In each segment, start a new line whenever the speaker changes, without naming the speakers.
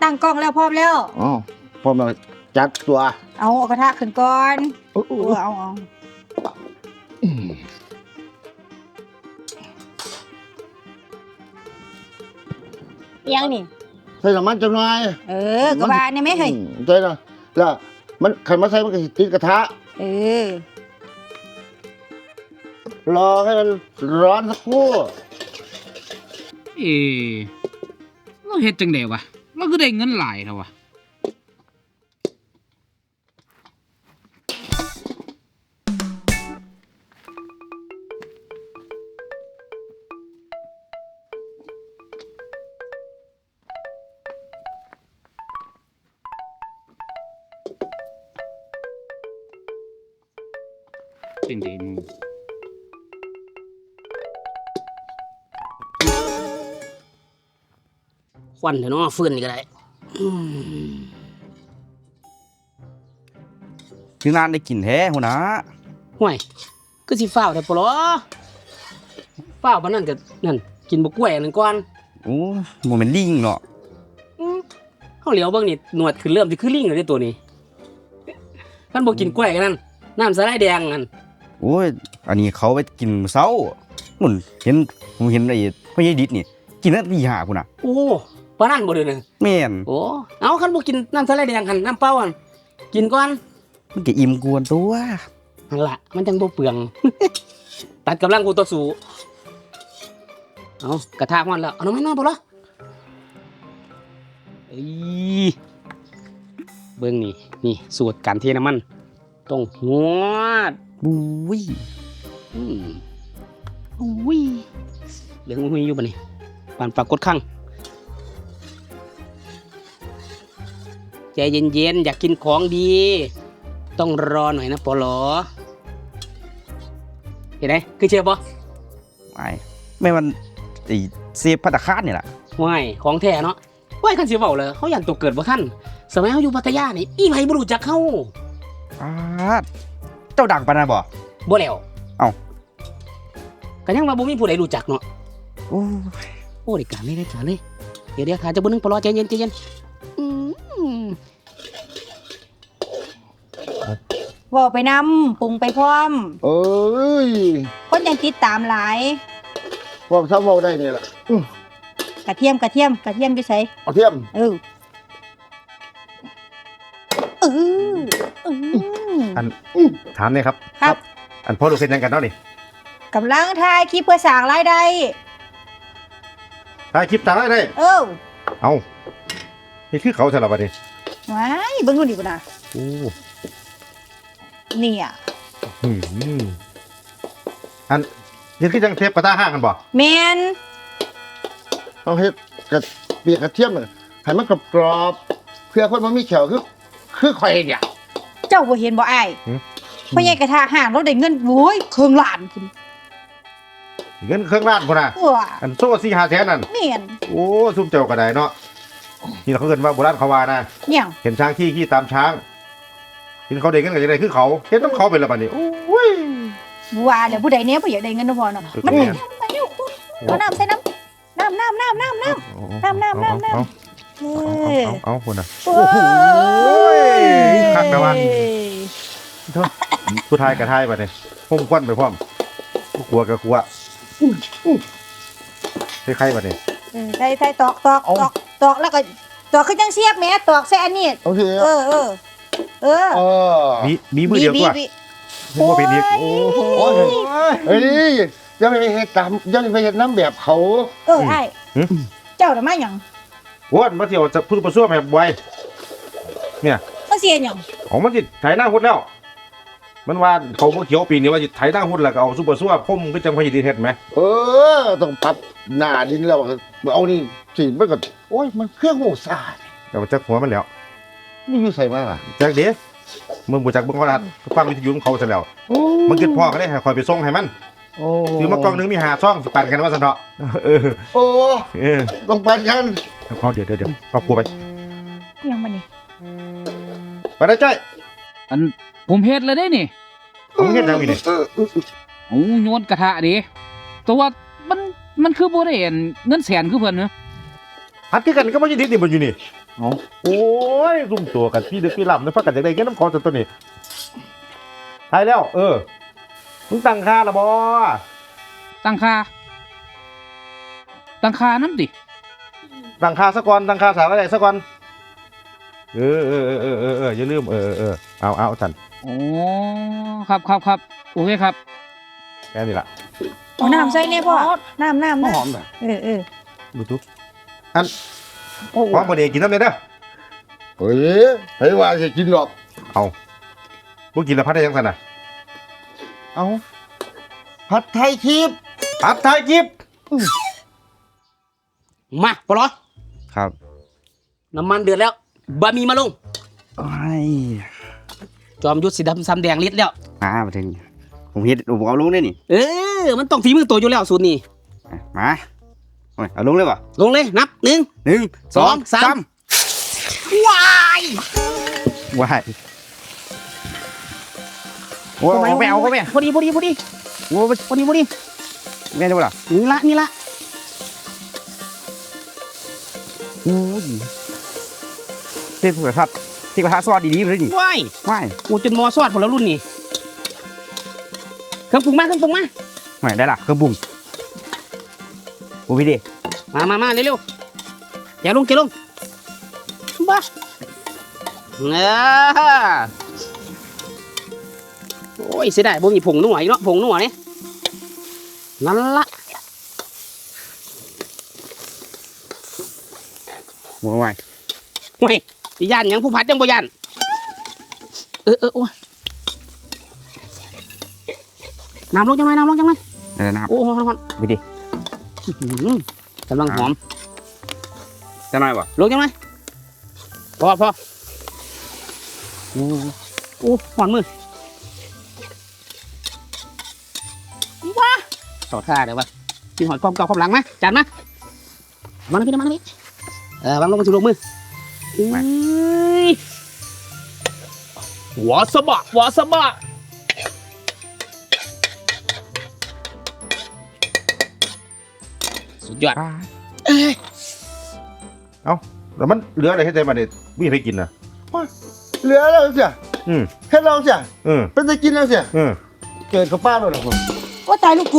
ตั้งกล้องแล้วพร้อมแล้ว
อ๋อพร้อมแล้วจัดตัว
เอากระทะขึ้นก่อนเอายังนี่
ใส่น้ำมันจังหน่อย
กระบาเนี่ยไม่เคย
ใช่แล้วมันขันมาใส่มันก็ติดกระทะรอให้มันร้อนสักครู่
เราเฮ็ดจังได๋วะเราก็ได้เงินหลายเท่าวะเป็นไดมึง
ควันเถอะเนาะฟืนนี่ก็ได้
คือนานได้กินแท้หัวหน้า
ห่วยก็สิฟ้าวได้ปะหรอฟ้าวปานนั้นก็นั่นกินบ่กล้วยอันนั้นก่อน
โอ้บ่แม่นลิงเนาะ
เฮาเหลียวเบิ่งนี่หนวดคือเริ่มสิคือลิงแล้วเด้ตัวนี้คันบ่กินกล้วยกันนั่นน้ำสาหร่ายแดงนั่น
โอ้ยอันนี้เขาไปกินมื้อเช้าผมเห็นไอ้พ่อใหญ่ดิษนี่กินตั้งแต่ตี 5พุ่นน่ะ
โอ้ปานนั้นบ่เด้อนึง
แม่น
โอ้เอาคันบ่กินน้ำสาหร่ายแดงหั่นน้ำเปล่าหั่นกินก่อน
มันก็อิ่มกวนตัว
นั่นล่ะมันจังบ่เปลือง ตัดกำลังกูต่อสู้เอากระทะฮ้อนแล้วเอาน้ำมันมาบ่ล่ะเบิ่งนี่สูตรการเทน้ำมันต้องหวด
บุ้ย
อุ้ยเหลืองอุ้ยอยู่บ่นี่ปานปรากฏคั่งใจเย็นๆอยากกินของดีต้องรอหน่อยนะปลอเห็นไหมคือเชื่อปะ
ไม่มันไอ้เซฟภัตตาคารนี่แหละ
ว่ายของแท้เนาะว่ายคันเสียเบาเลยเขายันตัวเกิดบ่ท่านสมัยเขาอยู่พัทยานี่อีไผบ่รู้จักเขา
เจ้าดังปานนั้นบ่
แล้วก็ยังว่าบ่มีผู้ใดรู้จักเนาะโอ้ได้การเลยเดี๋ยวขาจะบ่นึงปลอใจเย็น
ว่าไปนำปรุงไปพร้อมคนยังติดตามหลาย
พร้อมซ้ำเว้าได้นี่ล่ะ
กระเทียมอยู่ไส
กระเทียม
อันถามเนี่ยครับอันพ่อลูกเฮ็ดหยังกันเนาะนี่
กำลังถ่ายคลิปเพื่อสร้างรายได้
ถ่ายคลิปถ่ายได้เอานี่คือเขาซะแล้วบัดนี้
ว้ายเบิ่งดูดิพุ่นน่ะเนี่ย
อันนี่คือจังเทปกระทะห้างกันบ่
แม่น
ต้องเฮ็ดเปียกกระเทียมให้มันกรอบเพื่อคนบ่มีแขวคือข่อยเนี่ย
เจ้าบ่เห็นบ่อ้ายพ่อใหญ่กระทะห่างเราได้เงินโว้ยเครื่องล้านพุ่น
เงินเครื่องล้านพุ่นน่ะอันโซ่4-5 แสนนั่น
แม่น
โอ้ซุ่มเจ้าก็ได้เนาะนี่เขาเอิ้นว่าโบราณเขาว่านะเห็นช้างขี้ตามช้างเห็นเขาได้เงินก็จะได้คือเขาเฮ็ดนำเขาเป็นละบัดนี้โอ้ย
ว่าแล้วผู้ใดแน่บ่อยากได้เงินเนาะพ่อเนาะมันไปเอาน้ำใส่น้ำ
เอาพุ่นน่ะโอ้โหคักแต่ว่าผู้ทายกับทายบัดนี้ห่มควันไปพร้อมกลัวกับกลัวใครบัดนี้
ใส่ตอกแล้วก็ตอกคือจังเสียบแม่ตอกใส่อันนี้
โอเค
มีมือเดียวกว่าบ่เป็นอีกโอ้
เฮ้ยยังไปเฮ็ดตามยังไปเฮ็ดน้ำแบบเขา
ไอ้เจ้าน่ะมาหยัง
วนมาเที่ยวจะพูดประซ่วมให้บ่อยเนี่ย
มาเสียหยัง
ของมันสิไถหน้าหุ้นแล้วมันว่าเขาบ่เขียวปีนี้ว่าสิไถหน้าหุ้นแล้วก็เอาซุปเปอร์ซัวพ่มคือจังพญดินเฮ็ดมั้ย
ต้องปรับหน้าดินแล้วเอานี่สิมันก็โอ้ยมันเครื่องโหซ่า
แต่ว่าจักหัวมันแล้ว
นี่อยู่ใส่มาล่ะ
จักเด้มึงบ่จักเบิ่งเขาล่ะฟังวิทยุของเขาซะแล้วมันคิดพ่อก็ได้ให้คอยไปส่งให้มันซื้อมากล่องนึงมี5ซองสิปั่นกันว่าซั่นเถาะ
ต้องปั่นกัน
เอาเดี๋ยวเอากลัวไป
ยังมานี่
ไปได้จ้อย
อันผมเฮ็ดแล้วได้นี่
ผมเฮ็ดแล้วนี่
โอ้โยนกระทะดิแต่ว่ามันคือบ่ได้เงินแสนคือเพิ่นเนาะ
หัดคือกันก็บ่ยินดีนี่บ่อยู่นี่
เอา
โอ้ยซุ่มตัวกันพี่ดึกพี่หลับในพักกันจากใดเงี้ยน้ำคอจนตัวนี้ทายแล้วมึงตั้งค่าละบอ
ตั้งค่าน้ำดิ
ตั้งค่าซะก่อนตั้งค่าสารอะไรซะก่อนอย่าลืมเอาสัน
โอ้ครับโอเคครับ
แค่นี้ละ
เอาน้ำใส่เนี่ยพ่อน้ำ
ห
นะ
อมแบบ
ดูทุกอันพร้อมประเดี๋ยวกินน้ำเลยเด้อ
เฮ้ยให้ว่าจะกินหรอก
เอาพวกกินแล้วพัดได้ยังสันน่ะ
เอาผัดไทยคลิป
พัดไทยจิบ
มาปลอ
ครับ
น้ำมันเดือดแล้วบะหมี่มาลง
โอ้ย
จอมยุทธสีดำซ้ำแดงลิดแล้ว
มาถึงผมเฮ็ดผมเอาลงได้นี่
มันต้องฝีมือตัวอยู่แล้วสูตรนี้
มาโอ้ยเอาลงเลยป่ะ
ลงเลยนับ1
1 2 3
ว้าย
ว้ายโอ้ยเอาไปเอาก็แม่
พอดี
โอ้ย
พอดี
แม่ได้ป่ะล่ะ
นี่ละ
โอ้ยเทพกระทะซอสดีๆเลยนี่
ว้าย
ว้าย
กูจนมอซอดผลแล้วรุ่นนี้เครื่องปรุงมา
ไม่ได้ล่ะเครื่องปรุงโอ้พี่ดิ
มาเร็วๆแกะลงบ้าโอ้ยเสียดายบ่มีผงนัวอีกเนาะผงนัวนี่นั่นละ
โอ้ย
เฮ้ยสิย่านหยังผู้พัดยังบ่ย่านโอ้ยน้ำลงจังไหม
ได้แล้วนะครับ
โอ้ฮอน
พี่ดิ
กำลังหอม
จะหน่อยป่ะ
ลงจังไหมพอโอ้หอนมือว้าต่อท่าเดี๋ยววะกินหอยความเก่าความหลังไหมจานมามาพี่วางลงกันสิลงมือหัวสะบะสุดยอด
แล้วมันเหลืออะไรให้ใจมาเนี่ยวิ่งไปกินนะ
เหลือแล้วเสีย
อืม
แค่เราเสีย
เออ
เป็นจะกินแล้วเสีย
เออ
เกิดกับป้าเลยนะผม
ว่าตายลูกกู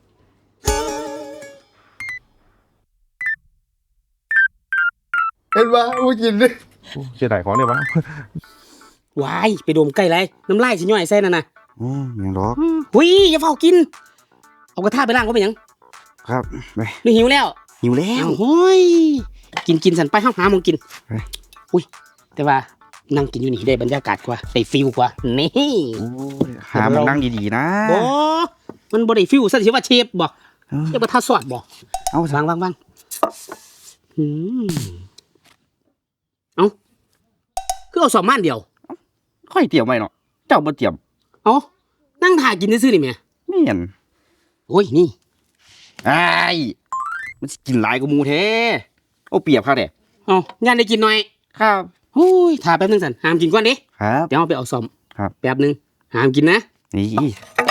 เห็นว่าไม่กินเลย
เสียดายของเนี่ยวะ
วายไปดมใกล้ไรน้ำลายสิย่อยใส่นั่นน่ะ
โอ้ยยังรอ
หุยอย่าเฝ้ากิน เอากระทะไปล้างก็เป็นหยัง
ครับไป
ไม่หิวแล้ว
หิวแล้ว
โอ้ยกินสันไปห้องหาหมองกิน
ไป
อุ้ยแต่ว่านั่งกินอยู่นี่ได้บรรยากาศกว่าได้ฟิลกว่านี่
โอ้ยหามันนั่งดีๆนะ
บ่มันบ่ได้ฟิลซะสิว่าเชฟบ่
เออ
เรียกว่าท่าซอสบ่
เอา
วางอืมเอาคือเอาสองม่านเดียว
ค่อยเตรียมไว้เนาะเจ้าบ่เตรียม
เอานั่งถ่ายกินซื่อๆนี่แหม่
ไม่เห็น
โอ้ยนี่
ไอ้ายมันสิกินหลายกว่าหมูแท้เอาเปรียบเขาเด้
เอาย่านได้กินหน่อย
ครับ
โอ้ยถ่าแป๊บนึงสันห้ามกินก่อนเด้
ครับ
เดี๋ยวเอาไปเอาซ่อม
ครับ
แป๊บนึงห้ามกินนะ
นี่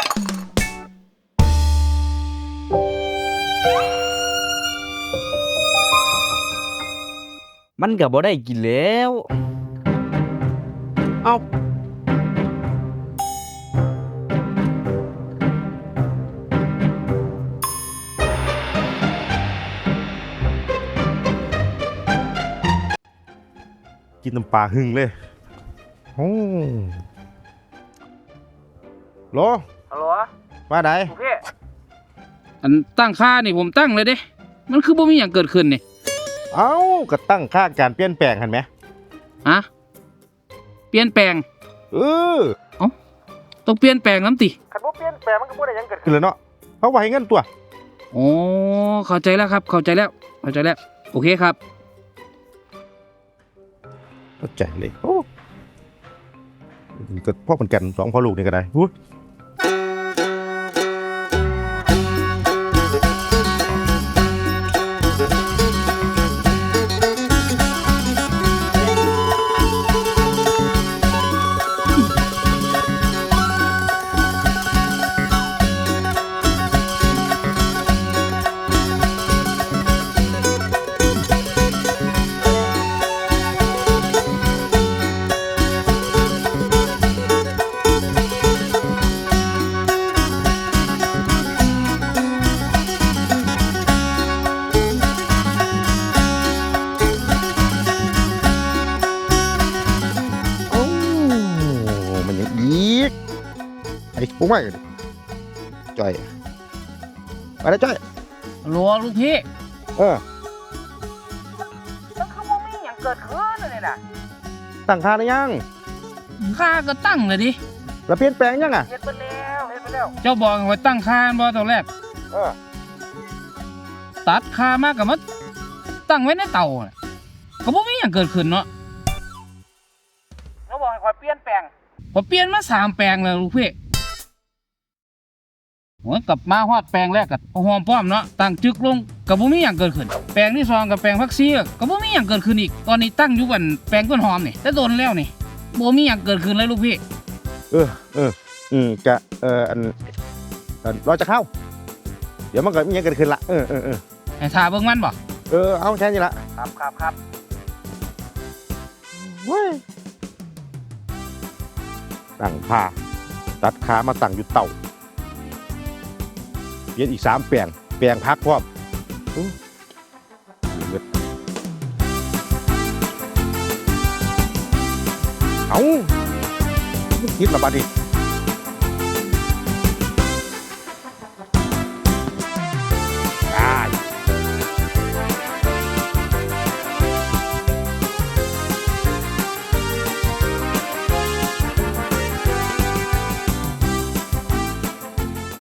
มันก็บ่ได้กินแล้ว
เอา
กินน้ำปลาหึงเลยโอ้โหล
ฮัลโหล
ว่าได
โอเคอันตั้งค่านี่ผมตั้งเลยเด้มันคือบ่มีหยังเกิดขึ้นนี่
เอ้าก็ตั้งค่าการเปลี่ยนแปลงหันไหม
ฮะเปลี่ยนแปลง
เออ
ต้องเปลี่ยนแปลงน้ำติ
คันบ่เปลี่ยนแปลงมันก็บ่ได้หยังเกิดขึ้นเลยเนาะเพราะว่าให้เงินตัว
โอ้เข้าใจแล้วครับเข้าใจแล้วโอเคครับ
เข้าใจเลยโอ้ก็พ่อเหมือนกันสองพ่อลูกนี่ก็ได้อุ๊ยปุ้งไม่จ้อยไปแล้วจ้อย
หลัวลูกพี่
เออ
แล้วเขาบ่มีหยังเกิดขึ้นเลยน่ะ
ตั้งค่าได้ยัง
ค่าก็ตั้งเลยดิ
แล้วเปลี่ยนแปลงยังอ่ะ
เฮ็ดไปแล้วเจ้าบอกว่าตั้งค่าบ่ตอนแรก
เออ
ตัดค่ามากกับมาตั้งไว้ในเตาน่ะก็บ่มีหยังเกิดขึ้นเนาะเขาบอกให้ข่อยเปลี่ยนแปลงพอเปลี่ยนมา3แปลงแล้วลูกพี่โอ้ยกลับมาฮอดแปลงแรกก็หอมป้อมเนาะตั้งจึกลงก็บ่มีหยังเกิดขึ้นแปลงที่2กับแปลงผักชีก็บ่มีหยังเกิดขึ้นอีกตอนนี้ตั้งอยู่บันแปลงต้นหอมนี่แต่โดนแล้วนี่บ่มีหยังเกิดขึ้นเลยลูกพี่
จะอันรอจะเข้า เดี๋ยวมันก็มีอย่างเกิดขึ้นละ
ให้ท่าเบิ่งมันบ่
เอาแค่นี้ละ
ครับ
ตั้งผ้าตัดขามาตั้งอยู่เต่าเปลี่ยนอีก3แปลงพักพร้อมเอาคิดละบัดนี้